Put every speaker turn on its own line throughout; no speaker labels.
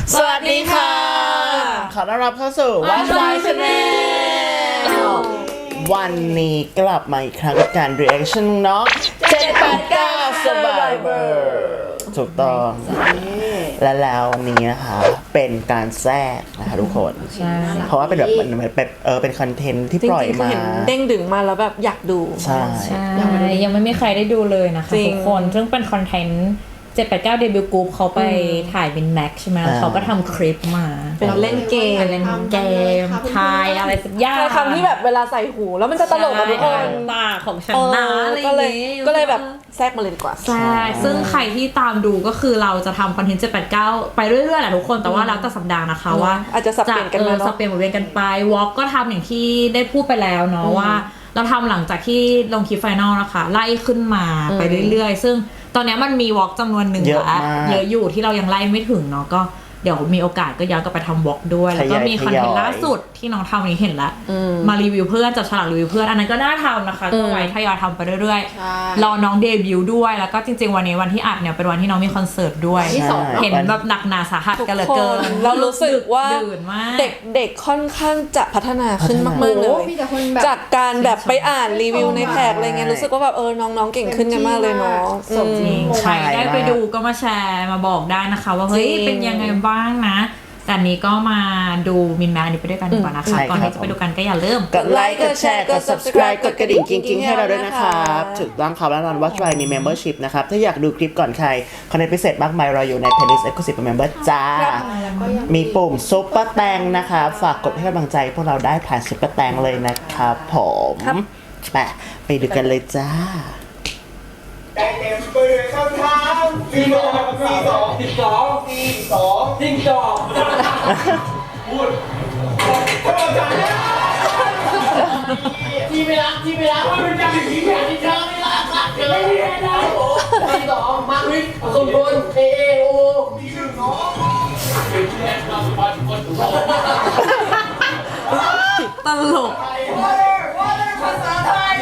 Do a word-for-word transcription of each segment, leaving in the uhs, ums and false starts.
สวัสดีค่ะขอต้อนรับเข้าสู่ Watch My Channel วันนี้กลับมาอีกครั้งกับการ reaction เนาะเจ็ด แปด เก้า Survivor ถูกต้องและแล้ววันนี้นะคะเป็นการแทรกนะคะทุกคนเพราะว่าเป็นแบบมันเป็นเออเป็นคอนเทนต์ที่ปล่อยมา
เด้งดึงมาแล้วแบบอยากดู
ใช่
ยังไม่ยังไม่มีใครได้ดูเลยนะคะทุกคนซึ่งเป็นคอนเทนต์เจ็ด แปด เก้า เดบิวต์กรุ๊ปเขาไปถ่ายเป็นแม็กใช่ไหมเขาก็ทำคลิปมา
เป็นเล่นเกม
เล่นเกมทายอะไรสักอย่าง
คำที่แบบเวลาใส่หูแล้วมันจะตลกกับทุกคน
ตาของฉันนะ
ก็เลยก็เลยแบบแทรกมาเลยดีกว่า
ใช่ซึ่งใครที่ตามดูก็คือเราจะทำคอนเทนต์เจ็ด แปด เก้าไปเรื่อยๆแหละทุกคนแต่ว่าแล้วแต่สัปดาห์นะคะว่า
อาจจะสับเปลี่ยนกันมาเนาะ
สับเปลี่ยนหมุนเวียนกันไปวอล์กก็ทำอย่างที่ได้พูดไปแล้วเนาะว่าเราทำหลังจากที่ลงคลิปไฟนอลนะคะไล่ขึ้นมาไปเรื่อยๆซึ่งตอนนี้มันมีวอล์กจำนวนหนึ่งแล้วเยอะอยู่ที่เรายังไล่ไม่ถึงเนาะก็เดี๋ยวมีโอกาสก็ย้อนกลับไปทำวอล์กด้วยแล้วก็มีคอนเทนต์ล่าสุดที่น้องทำนี้เห็นแล้วมารีวิวเพื่อนจับฉลากรีวิวเพื่อนอันนั้นก็น่าทำนะคะก็ไว้ทยอยทำไปเรื่อยๆรอน้องเดบิวต์ด้วยแล้วก็จริงๆวันนี้วันที่อัดเนี่ยเป็นวันที่น้องมีคอนเสิร์ตด้วยเห็นแบบหนักหนาสาหัสกันเหลือเกิน
เรารู้สึกว่าเด็กเด็กค่อนข้างจะพัฒนาขึ้นมากๆเลยจากการแบบไปอ่านรีวิวในแท็กอะไรเงี้ยรู้สึกว่าแบบเออน้องๆเก่งขึ้นกันมากเลยเนาะ
จริงใครได้ไปดูก็มาแชร์มาบอกได้นะคะว่าเฮ้ยเป็นยังไงบ้างนะแต่นี้ก็มาดูมินแมนนี้ไปด้วยกันดีกว่านะคะก่อนที่จะไปดูกันก็อย่าลืม
กดไลค์กดแชร์กด subscribe กดกระดิ่งกิ๊งๆให้เราด้วยนะครับถูกต้องครับแล้วนอน Watch My มี membership นะครับถ้าอยากดูคลิปก่อนใครคอนเทนต์พิเศษมากมายรออยู่ใน playlist exclusive member จ้ามีปุ่มซุปเปอร์แตงนะคะฝากกดให้กำลังใจพวกเราได้ผ่านซุปเปอร์แตงเลยนะครับผมไปไปดูกันเลยจ้า
ใจเต็มไปด้วยคำถามสี่สองสี่สองสี่สองสี่สองจิ้งจอกพูดเท่ากันที่ไม่รักที่ไม่รักว่าเป็นการที่แผนที่เธอไม่รักรักเธอไม่ได้นะโอ้สี่สองมาร์ควิทสมบูรณ์เอเอโอมีหนึ่งน้องเป็นแค่เราสบายคนถูก
ตลก
ภาษาไทย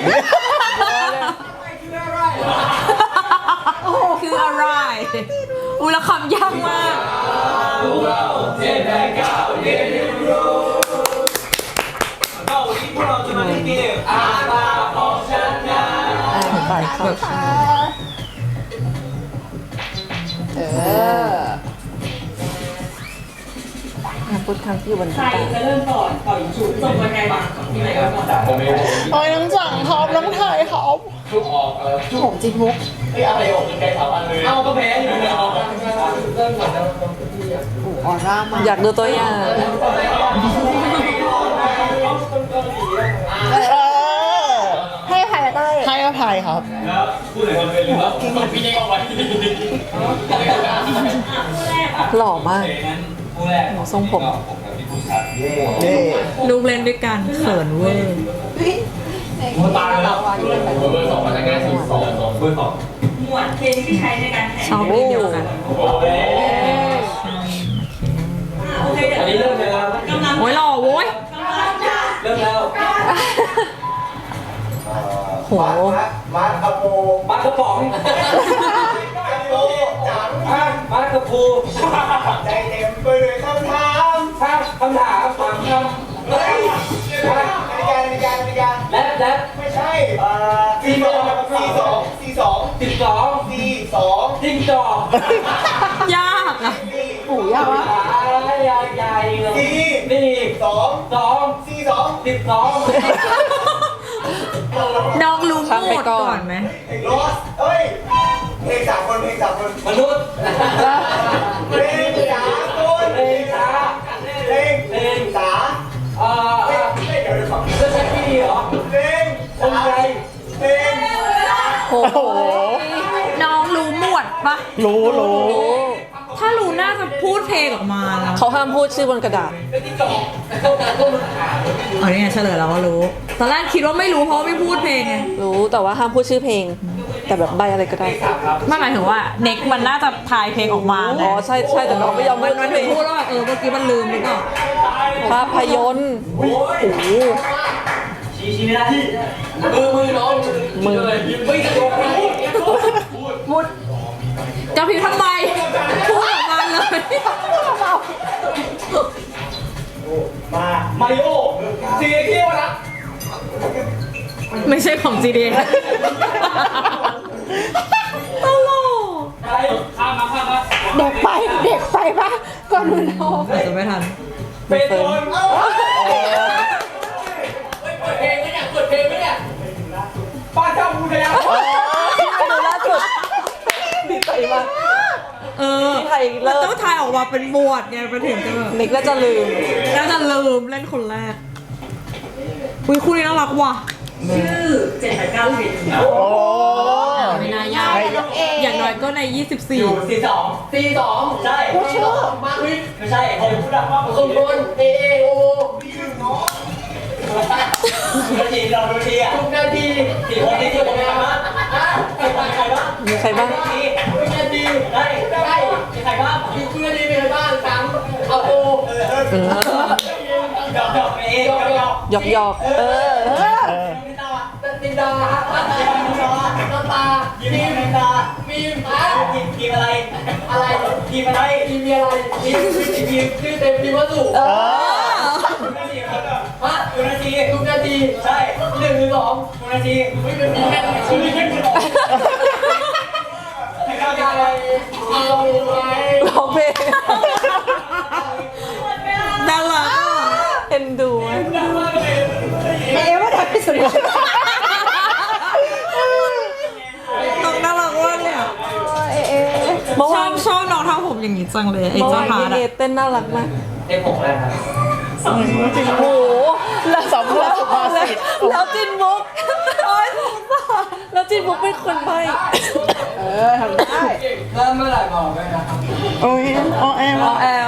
คืออะไรอุลคำยากมาก
เจ็ดแปดเก้าเรียนรู้ก็วันนี้พวกเราจะมาเล่นเกมอ่านตาของฉันนะ
ไปครับเออพูดคำที่วันนี้
ใครจะเริ่มก่อนต่อยฉุดส่งยังไงบ้างมีอะไรกันบ้าง
โอ้ยน้องจังครับน้องไทยครับ
ชุบออกอะไรชุบผมจิมุกไอ้อะไรออกเป็นไก่สามอันเลยเอาก็แพ้อยู่เลยเอาเริ่มก่อนแล้ว
ออร่ามาอยากดูตัวอย่าง
ให้อภัยเต้ยให้อภัยครับ
แล้วพูดถึงคนเป็นหรือว่าต้องพี่เด็กเอาไว้
หล่อมากทรงผม
ลูกเล่นด้วยกันเขินเวอร์
ตาแล้วเบอร์สองมาจากงานสิบสองเบอร์สอง
หมวดเพลงที่ใช้ในการแข่งชอบเพลงเดียวกัน
อันนี้เริ่มแล้ว
โอ้ยหล่อโว้ย
เริ่มแล้ว
โห
มาคาโปมาคาป๋องโปจังมาคาปูใจเต็มไปด้วยคำถามคำถามถามคำเฮ้ยนาฬิกานาฬิกานาฬิกาแล็บแล็บไม่ใช่สี่สองสี่สองสี่สองสิบสองสี่สองจิ้งจอก
ยากอ่ะ
ปู่ยากวะ
ใหญ่ใหญ่เลยสี่นี่สองสองสี่สองสิบสอง
น้องรู้หมดก่อนไหม
ลอสเอ้ยเพลงสามคนเพลงสามคนมนุษย์เพลงสามคนเพลงสาเพลงเพลงสาเอ่อเดี๋ยวเดี๋ยวฟังจะใช้พี่เหรอเพลงคนใจเพลง
โอ้โหน้องรู้หมวดปะ
รู้รู้
ถ้ารู้น่าจะพูดเพลงออกมาแล้ว
เขาห้ามพูดชื่อบนกระดาษ
อ๋อนี่ไงเฉลยแล้วว่ารู้ตอนแรกคิดว่าไม่รู้เพราะไม่พูดเพลงไง
รู้แต่ว่าห้ามพูดชื่อเพลงแต่แบบใบอะไรก็ได้
ไม่หมายถึงว่าเน็กมันน่าจะทายเพลงออกมา
อ๋อใช่ใช่แต่น้องไม่ยอม
มันไม่พูดว่าเออเมื่อกี้มันลืมหรือเปล่า
ภาพยนตร์โอ้โห
ชี้ชี้ไม่ได้มือมือน้องมือเลยไม่จะโดน
พูดจะพิมพ์ทำไมพูดออกมาเลย
มาริโอซีเที่ยวนะ
ไม่ใช่ของ จี ดี ตลก
อะไรข้ามมาข้ามมา
เด็กไปเด็กไปปะก่อนมันโต
อาจจะไม่ทัน
เป็นคนเปิดเพลงไหมเนี่ยเปิดเพลงไหมเนี่ยป้าเจ้าบูชา
ดูล่าสุดดีใจมาก
เออ
ที่ไทยเลิ
มัน
ก
ต้องทายออกมาเป็นบวชไงไปถึงจะแบบ
นิกน่าจะลืม
น่าจะลืมเล่นคนแรกอุ้ยคู่นี้น่ารักว่ะ
โอ้
ไม่น่ายากอย่างน้อยก็ใน ยี่สิบสี่
สี่สองสี่สองใช่สี่สองมาวิไม่ใช่ผมพูดดังมากผมคนเอเอโอพี่หนึ่งเนาะนาทีเราดูทีอ่ะทุกนาทีสี่คนนี้ที่ผมทำนะใครบ้างใครบ้าง
มีใครบ้าง
ทุกนาทีได้ได้มีใครบ้างทุกนาทีมีใครบ้างสามเอาโอเออเออหยอกหยอกเอหยอกหยอก
หยอกหยอกเออ
ตินดาตินดาตินดาน้ำตายิ้มน้ำตามีมอ่ะทีมทีมอะไรอะไรทีมอะไรทีมมีอะไรทีมทีมชื่อเต็มทีมวัตถุ
เออ
ทุกนาทีครับฮะทุกนาทีทุกนาทีใช่หนึ่งหรือสองทุกนาทีไม่เป็นมีแค่ชื่อแค่สองใครกล้าอะไรเอาไว้
ร้องเพลง
น่ารักอ่ะ
เอ็นดูไหม
เอ๊ะว่าทำที่สุด
ต้องน่ารักมากเลยอ่ะ
เอ๊ะเอ๊ะ
เมื่อ
ชอ
วา
บ
น
ชอบน้องทำผมอย่างนี้จังเลยไอ้
เมื่อาน
เจ้าวพา
พี่
ร์ท
เน
อะ
เต้นน่ารักมาก
เต็มหกแล้วครับ
โอ้โหแล้ว
สำรวจสุภาษิต
แล้วจินบุ๊กโอ้ยสงสารแล้วจินบุ๊กเป็นคนใบ้
เออทำได้
เริ่มเมื่อไหร่บอกเลยนะครับ
โอ้ยโอ้แอม
อ๋อแอล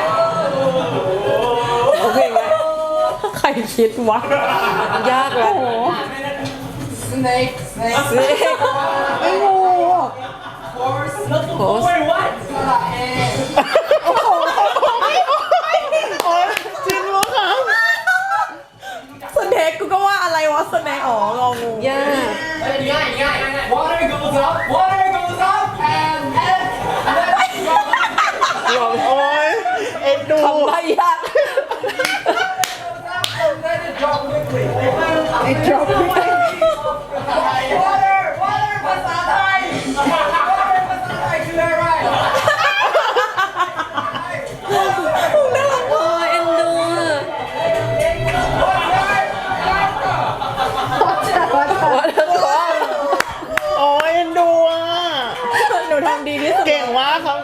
โอเคไง
ใครคิดวะ
ยากแล้ว
สเน็กสเน็ก
เฮ้ย
ไม่งู
โอ้ยวัดสระเอ
โอ้ยจินวะครับ
สเน็กกูก็ว่าอะไรวะสเน็กอ๋ององู
ยาก
เฮ้ยง่ายง่ายง่าย Water goes up Water goes up and and
โอ้ยเอ็นดู
ทำใบ้ยาก
then it drop quickly
ไอ้ดรอปไม่ได้
Water Water ภาษาไทย Water ภาษาไทยคืออะไร
โอ้ยเอ็นดูอะว่าเธอ
โอ้ยเอ็นดูอ่ะ
หนูทำดีที่สุด
เก่งมากครับ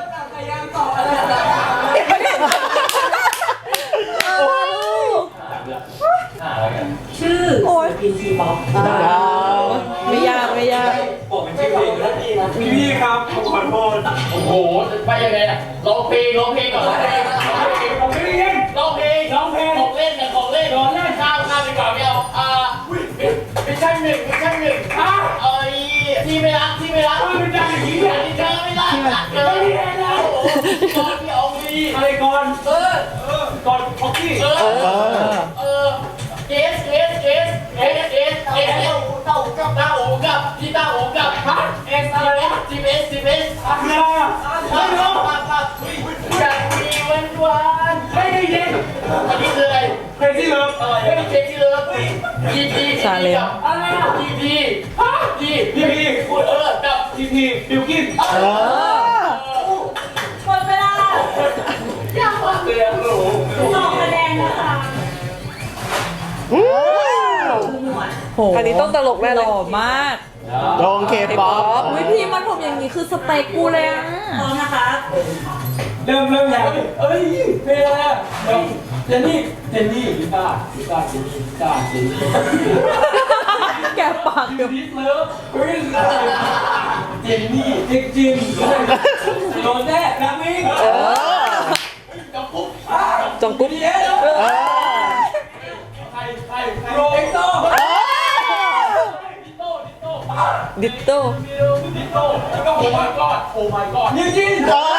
โอ้ย
ดาว
ไม่ยากไม่ยาก
ผมเป็นชื่อเพลงแล้วพี่นะพี่ครับผมขอโทษโอ้โหไปยังไงอ่ะร้องเพลงร้องเพลงก่อนร้องเพลงร้องเพลงร้องเพลงร้องเพลงของเล่นนะของเล่นของเล่นข้าวข้าวไปก่อนไม่เอาอ่าไม่ใช่หนึ่งไม่ใช่หนึ่งอ่ะเอ้ยที่ไม่รักที่ไม่รักไม่ใช่อย่างนี้ที่เธอไม่รักรักเธอไม่ได้แล้วก่อนที่เอาวีอะไรก่อนเออเออก่อนพ็อกกี้เออ
เออ
เออเกสเกสเกสเกสเกสเกสเต้ากับเต้าหูกับพี่เต้าหูกับฮะเอสอะไรนะจีเอสจีเอสอะไรอ่ะไม่รู้ครับครับอยากมีวันวานไม่ได้ยินอันนี้คืออะไรเพลงที่เลิฟไม่ได้เพลงที่เลิฟพีพีชาเลนอะไรอ่ะพีพีฮะพีพีพีเออกับพีพีบิวกินเออหมดเวลายากมากเลยอ่ะหนูสองคะแนนนะคะ
โห
อันนี้ต้องตลกแน่
ห
เลย
ล่อมาก
ลงเคป๊อป
อุ้ยพี่มันผมอย่างนี้คือสเปคกูเลยอ่ะ
เริ่มเริ่มแล้วเอ้ยเพลงอะไรอ่ะเจนนี่เจนนี่ลิซ่าลิซ่าเจนนี่ลิซ่าเจนนี่
แกปากเดี๋ยว
ดิสเลิฟเฮ้ยเจนนี่เจ๊กจินโดนแน่นามิง
เออ
จับปุ๊บ
จงกุ๊บ
เย้
เออ
ใครใครโรเอ็กโตดิโต้ดิโต้
ดิโต้
ดิโต้แล้วก็โอ้ my god โอ้ my god นิวจิน
เออ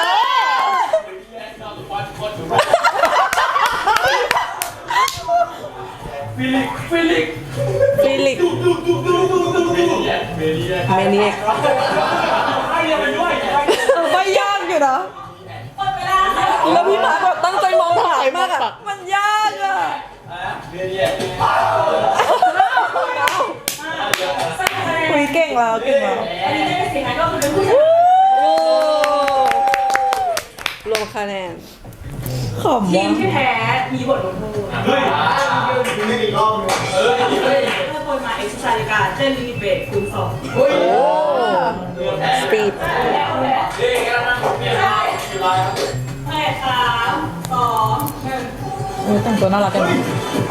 ฟิลิกฟิลิก
ฟิลิก
ดูดูดูดูดูดูดูเมเนีย
เมเนียก
ใครยังไปด้วย
ไม่ยากอยู่นะ
แล้วพี่มาร์คแบบตั้งใจมองถ่ายมากอะ
มันยากอ่ะ
อ่า
คุยเก่งแล้วเก่งแล้ว
อันนี้ได้สิคะก็คือเป็นผู้ชาย
โอ้ลงคะแนน
ขำ
ที
ว่ะ
มที่แพ้มีบทลงโทษ
เฮ้ยไม่อีกรอบนึงเออเฮ้ย
ถ้าคนมาเอ็กซ์ไซส์การเต้นลิมิตเบรกคูณสอง
เฮ้ย
สปีด
นี่กันนะเนี่ยกี่ลายครับ
แปดสามสองหนึ่ง
เออแต่งตัวน่ารักกันนะ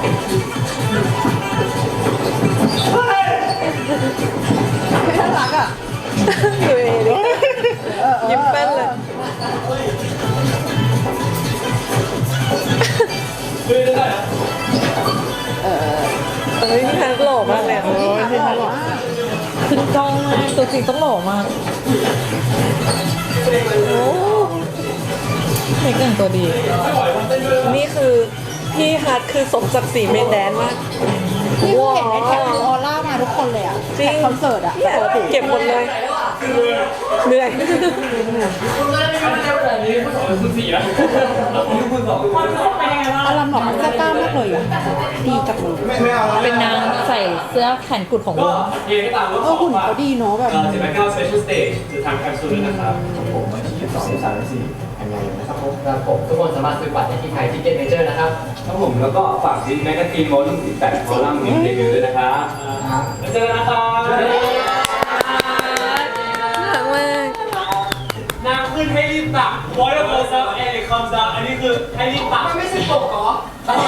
น่ารักอ่ะดูเองดิยิ้มแป้นเลย
เฮ้ยได้
เอ้ยพี่แพนหล่อมากเลยอะ
โอ้ยที่ทำหรอ
ขึ้นกล้องมากตัวจริงต้องหล่อมากโอ้เด็กแต่งตัวดี
นี่คือพี่ฮัทคือสมศักดิ์ศรีเมนแดนมาก
นี่คือเห็นในแท็กคือออร่ามาทุกคนเลยอ่ะ
จริง
แท็กคอนเสิร์ตอ่ะ
เนี่ยเก็บหมดเลยเหนื่อย
อารมณ์แบบเสื้อกล้ามมากเลยอ่ะ ดีจังเลย
ไม่ไม่เอา
เป็นนางใส่เสื้อแขนกุดของว
ก็
ง
เองก็ตามว่า
เออหุ่นเขาดีเนาะแบบ
เจ็ดแปดเก้า special stage จะทำแคปซูลนะครับผมวันที่ยี่สิบสองสามสี่ยังไงนะครับผม
ครับผมทุกคนสามารถซื้อบัตรได้ที่ไทยทิเก็ตเมเจอร์นะครับ
ครับผมแล้วก็ฝากดิสแมกกาซีนโมลุ่มสิบแปดคอลัมน์มินเดบิวต์ด้วยนะครับแล้วเจอกันนะครับ
น่ารักมาก
น้ำขึ้นให้รีบตัก water goes up and it comes down อันนี้คือให้รีบตักมันไม่ใช่ปกเหรอ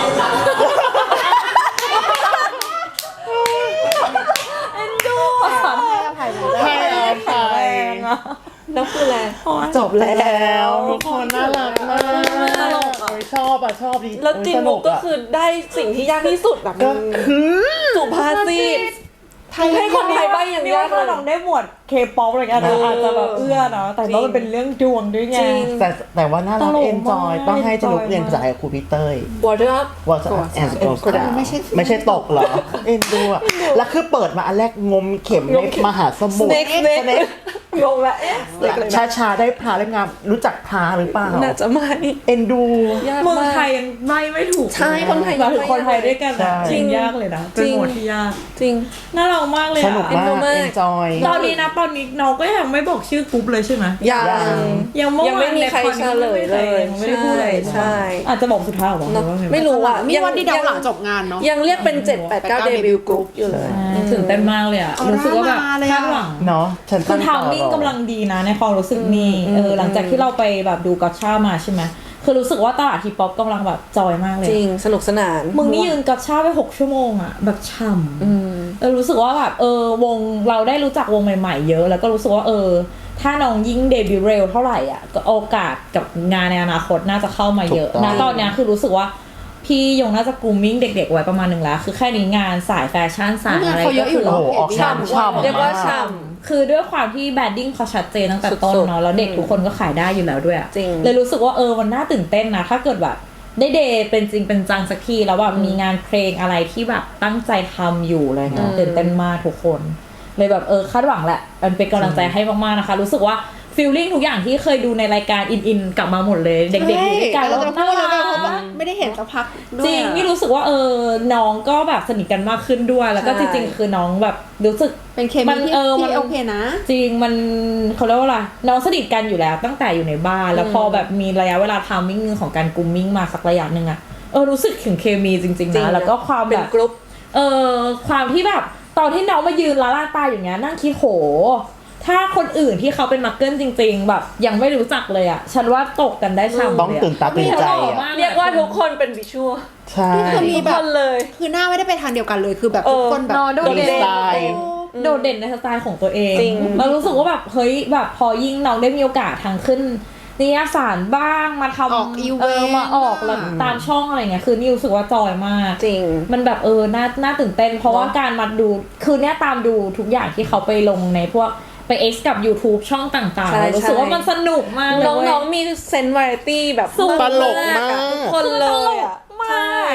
เอ็นดู
ให้อภัยเลย
ให้อภัย
แล้วคืออะไร
จบแล้วทุกคนน่ารักมากโอ้ยชอบอ่ะชอบดี
แล้วจินมุกก็
ส
คือได้สิ่งที่ยากที่สุดแบบ
ก็คือ
สุภาษิตให้คนไทยใบ้อย่าง
นี่
ยา
ว่าก ถ้า
เลย
น้องได้หมวดเคป๊อปอะไรกันนะอาจจะแบบเอื้อเนาะแต่ว่ามันเป็นเรื่องดวงด้วยไง
จริง
แต่แต่ว่าน่ารัก
ตลก
เอนจอย
มาก
ต้องให้จะลุก
enjoy
เรียนภาษาไทยกับครูพีเตอร์
Water up
ว่าจะแอนด์โกสดาไม่ใช่ไม่ใช่ตกเหรอ เอ็นดูอ่ะ แล้วคือเปิดมาอันแรกงมเข็มในมหาสมุทร
Snake Snake งงละเอ๊ะ
ชาชาๆได้พาเล่มงามรู้จักพาหรือเปล่า
น่าจะไม่
เอ็นดู
ยาก
เมือง
มาก
ไทยยังไม่ไม่ถูก
ใช่คนไทย
เราถึงคนไทยด้วยกัน
ใช่
นะจริงยากเลยนะเป็นหมวดที่ยาก
จริง
น่ารักมากเลย
ส
อะ
นุก
เอ็น
มา
ดู
ก
มาก
เอนจอย
ตอนนี้นะตอนนี้น้องก็ยังไม่บอกชื่อกรุ๊ปเลยใช่ไหม
ยัง
ยังเมื่อ
ยัง
วา
ไม่
น
มีใครเฉลยเลย
ยังไม่ได้พูดอะไร
ใช่
อาจจะบอกสุดท้ายหรอ
เนอะ
หรือว่าไง
ไม่รู้อ่ะ
มีวันที่เดาหลังจบงานเนาะ
ยังเรียกเป็นเจ็ดแปดเก้าเดบิวต์กรุ๊ปอยู่เลย
ตื่นเต้นมากเลยอ่ะ
ออร่า
รู้สึกว่าแบบ
มาเลยอะ
คาดหวัง
เนาะฉัน
คือ
ตั้ง
ทามมิ่ง
ต่อรอ
กำลังดีนะในความรู้สึกนี่เออหลังจากที่เราไปแบบดูกัชชามาใช่ไหมคือรู้สึกว่าตลาดทีป๊อปกำลังแบบจอยมากเลย
จริงสนุกสนาน
มึงนี่ยืนกัชชาไปหกชั่วโมงอ่ะแบบช่ำ
อืม
เออรู้สึกว่าแบบเออวงเราได้รู้จักวงใหม่ๆเยอะแล้วก็รู้สึกว่าเออถ้าน้องยิ่งเดบิวต์เร็วเท่าไหร่อ่ะก็โอกาสกับงานในอนาคตน่าจะเข้ามาเยอะนะตอนเนี้ยคือรู้สึกว่าพี่ยงน่าจะกรูมมิ่งเด็กๆไว้ประมาณหนึ่งแล้วคือแค่นี้งานสายแฟชั่นสายอะไร
เขาเย
ก็
อะอยู่
คือ
เน
โอ้โหออกงานช่ำ
เรียกว่า
มา
ช่
คือด้วยความที่แบดดิ้งเขาชัดเจนตั้งแต่ต้น
สุดๆ
เนาะแล้วเด็กทุกคนก็ขายได้อยู่แล้วด้วยอะ
จริง
เลยรู้สึกว่าเออมันน่าตื่นเต้นนะถ้าเกิดแบบได้เดย์เป็นจริงเป็นจังสักทีแล้วแบบมีงานเพลงอะไรที่แบบตั้งใจทำอยู่อะไรเงี้ยตื่นเต้นมากทุกคนเลยแบบเออคาดหวังแหละมันเป็นกำลังใจให้มากๆนะคะรู้สึกว่าฟีลลิ่งทุกอย่างที่เคยดูในรายการอินอินกลับมาหมดเลยเด็กๆอยู่ด้วยกัน
เรา
แล้ว
จะพูดแล้วแบบ
น่า
เพราะว่า
รัก
ไม่ได้เห็นสักพักด้วย
จริงนี่รู้สึกว่าเออน้องก็แบบสนิทกันมากขึ้นด้วย แล้วก็จริงๆคือน้องแบบรู้สึก
เป็นเค
มั
มี
น
ที่
เออมัน
ที่โอเคนะ
จริงมันเขาเรียกว่าอะไรน้องสนิทกันอยู่แล้วตั้งแต่อยู่ในบ้านแล้วพอแบบมีระยะเวลาทามมิ่งของการกรูมมิ่งมาสักระยะหนึ่งอะเออรู้สึกถึงเคมีจริง
จริ
ๆ
ง
นะ
นะ
แล้วก็ความ
เป็
แบ
น
บกรุ๊ปเออความที่แบบตอนที่น้องมายืนละล่าตาอย่างเงี้ยนั่งคิดโหถ้าคนอื่นที่เขาเป็นมักเกิลจริง ๆ แบบยังไม่รู้จักเลยอะฉันว่าตกกันได้ช่ำ
ต้องตื่นตาตื่นใจอ่ะ
เรียกว่าทุกคนเป็นวิชวล
ใช่
นี่คือมี
ทุก
แบ
ค
บ
นเลย
คือหน้าไม่ได้ไปทางเดียวกันเลยคือแบบทุกคนแบบ
เออนอนโดดเด่น
ดีไซน์
โดดเด่นในสไตล์ของตัวเอง
จริง
เรารู้สึกว่าแบบเฮ้ยแบบพอยิ่งน้องได้มีโอกาสทางขึ้นนิยายสารบ้างมาทำ
ออกอีเวนต์
เออมาออกแล้วตามช่องอะไรเงี้ยคือนี่รู้สึกว่าจอยมาก
จริง
มันแบบเออน่าน่าตื่นเต้น เพราะว่า
เนอะ
การมาดูคือเนี่ยตามดูทุกอย่างที่เขาไปลงในพวกไป X กับ YouTube ช่องต่าง
ใช่
ๆรู้สึกว่ามันสนุกมากเลย
น้องๆมีเซนส์วาไรตี้แบบ
สุด
ตลกมาก
ทุกคนเลยอ่ะ
มาก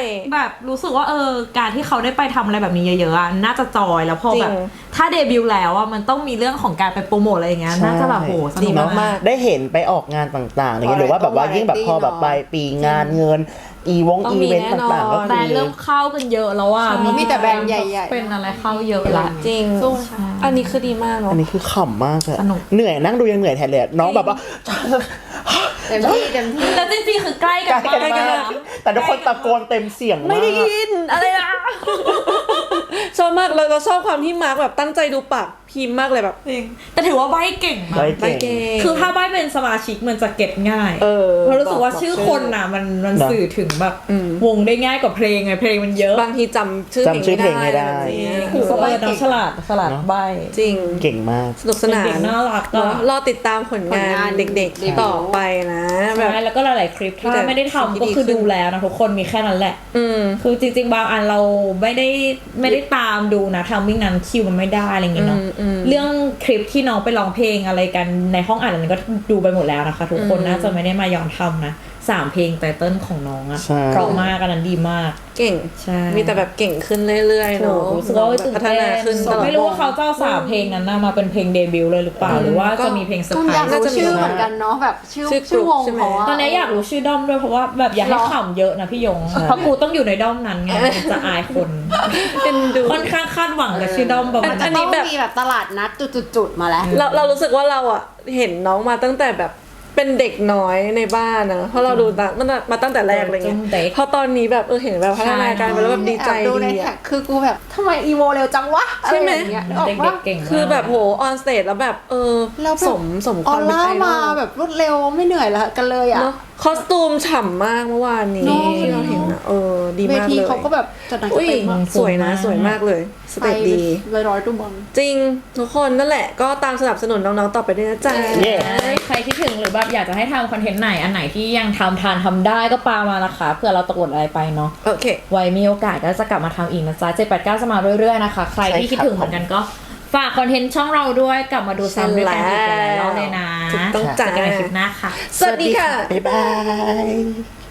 แบบรู้สึกว่าเออการที่เขาได้ไปทำอะไรแบบนี้เยอะๆอะน่าจะจอยแล้วพอแบบถ้าเดบิวต์แล้วอะมันต้องมีเรื่องของการไปโปรโมทอะไรอย่างเงี้ยน่าจะแบบโหสนุกมาก
ได้เห็นไปออกงานต่างๆอะไรเงี้ยหรือว่าแบบว่ายิ่งแบบพอแบบปลายปีงานเงินอีวงอีเวนต์ต่างๆก็
แบร
คื
นด์เริ่มเข้ากันเยอะแล้วว่า
มีแต่แบรนด์ใหญ่ๆ
เป็นอะไรเข้าเยอะละ
จริงอันนี้คือดีมากเนาะ
อันนี้คือขำมากอะ
สนุก
เหนื่อยนั่งดูยังเหนื่อยแทนเลยน้องแบบว่า
เต็มที่เต็มที่
แล้วจริงๆคือใกล้กัน
ใกล้กัน
มาก
มากแต่ทุกคนตะโกนเต็มเสียงมาก
ไม่ได้ยินอะไรนะชอบมากเราเราชอบความที่มาร์กแบบตั้งใจดูปากพิมพ์มากเลยแบบ
จริงแต่ถือว่าใบเก่งมา
ใบ
ก
เก่ง
เก่ง
คือถ้าใบเป็นสมาชิกมันจะเก็ตง่าย
เออ
เพราะรู้สึกว่าชื่อคนน่ะมันมัน
เนอะ
สื่อถึงแบบวงได้ง่ายกว่าเพลงไงเพลงมันเยอะ
บางทีจำชื่อ
จำชื่อเพลงไม่ได้
อะไรแบบนี้
คือเขาใบน้องฉลาดฉลาดใบ
จริง
เก่งมาก
สนุกสนาน
เด็กๆน่ารัก
เน
อะ
อะรอติดตามผลงา
ผลงาน
นเด็ก
เด็ก
ๆต่อไปนะแบบ
ใช่แล้วก็หลายๆคลิป
มีแต่
ถ้าไม่ได้ทำก็คือ
สิ่งที่ดีขึ้น
ดูแล้วนะทุกคนมีแค่นั้นแหละ
อืม
คือจริงๆบางอันเราไม่ได้ไม่ได้ตามดูนะทำมิ่งนั้นคิวมันไม่ได้อะไรอย่างเงี้ยเนาะ
อืมอืม
เรื่องคลิปที่น้องไปร้องเพลงอะไรกันในห้องอัดอันนั้นก็ดูไปหมดแล้วนะคะ ทุกคน
อืม
น่าจะไม่ได้มาย้อนทำนะสามเพลงไตเติ้ลของน้องอะ
ใช่
เพราะมากอันนั้นดีมาก
เก่ง
ใช่
มีแต่แบบเก่งขึ้นเรื่อยๆ
โอ้
เนาะ
โหรู้สึกว่าตื่น
พัฒ
เต้น
นาขึ้นตลอด
ไม่รู้ว่าเขาจะเอาสามเพลงนั้นน่ะมาเป็นเพลงเดบิวต์เลยหรือเปล่าหรือว่าจะมีเพลงเซอร์
ต้อง
ไพร
อยาก
ส์
รู้ชื่อเหมือนกันเนาะแบบชื่อ
ชื่อ
ชื่อวง
ใช่ไหม
เขาอะ
ตอนนี้อยากรู้ชื่อด้อมด้วยเพราะว่าแบบอยากให้ขำเยอะนะพี่ยงเพราะกูต้องอยู่ในด้อมนั้นไงจะอายคน
เป็นดู
ค่อนข้างคาดหวังกับชื่อด้อมประมาณ
อั
นั้น น
นี้
ต้อง
แบบ
มีแบบตลาดนัดจุดๆๆมาแล้ว
เราเรารู้สึกว่าเราอ่ะเห็นน้องมาตั้งแต่แบบเป็นเด็กน้อยในบ้านนะเพราะเราดูตามันมาตั้งแต่แรกอะไรเงี้ย
เด็ก
พอตอนนี้แบบเออเห็นแบบพัฒนาการไปแล้วแบบดีใจ
แอบดูใน
ดี
แท็
อะ
กคือกูแบบทำไมอีโวเร็วจังวะ
ใช่ไหม
อะรอย่างเงี้ยนึกออก
เด็
ปะ
กๆเก่งมาก
คือแบบโหออนสเตจแล้วแบบเออ
แล้วแบบ
สมสมค
อ
วา
อ
มเป็น
ร่า
ไอดอ
มา
ล
แบบรวดเร็วไม่เหนื่อยละกันเลยอ่ะ
เนาะคอสตูมฉ่ำมากเมื่อวานนี้
เนอะ
ที่เราเห็นอะเออดี
เว
มาก
ที
เลย
เขาก็แบบจัดหนักจัด
อุ้ย
เต็มมาก
สวยนะสวยมากเลยส
ไป
เตจดี
เลยร้อยตัวบอล
จริงทุกคนนั่นแหละก็ตามสนับสนุนน้องๆต่อไปด้วยนะจ๊ะ
เย้
ใครคิดถึงหรือแบบอยากจะให้ทำคอนเทนต์ไหนอันไหนที่ยังทำทานทำได้ก็ปามานะคะเผื่อเราตกหล่นอะไรไปเนาะ
โอเค
ไว้มีโอกาสก็จะกลับมาทำอีกนะจ๊ะเจ็ดแปดเก้าจะมาเรื่อยๆนะคะ ใครที่คิดถึงเหมือนกันก็ฝากคอนเทนต์ช่องเราด้วยกลับมาดูซ้ำด้วยกันอีกหลายๆรอบเลยนะ
ถูกต้องจ้ะ
เจอกันในคลิปหน้าค่ะ
สวัสดีค่ะ
บ๊ายบาย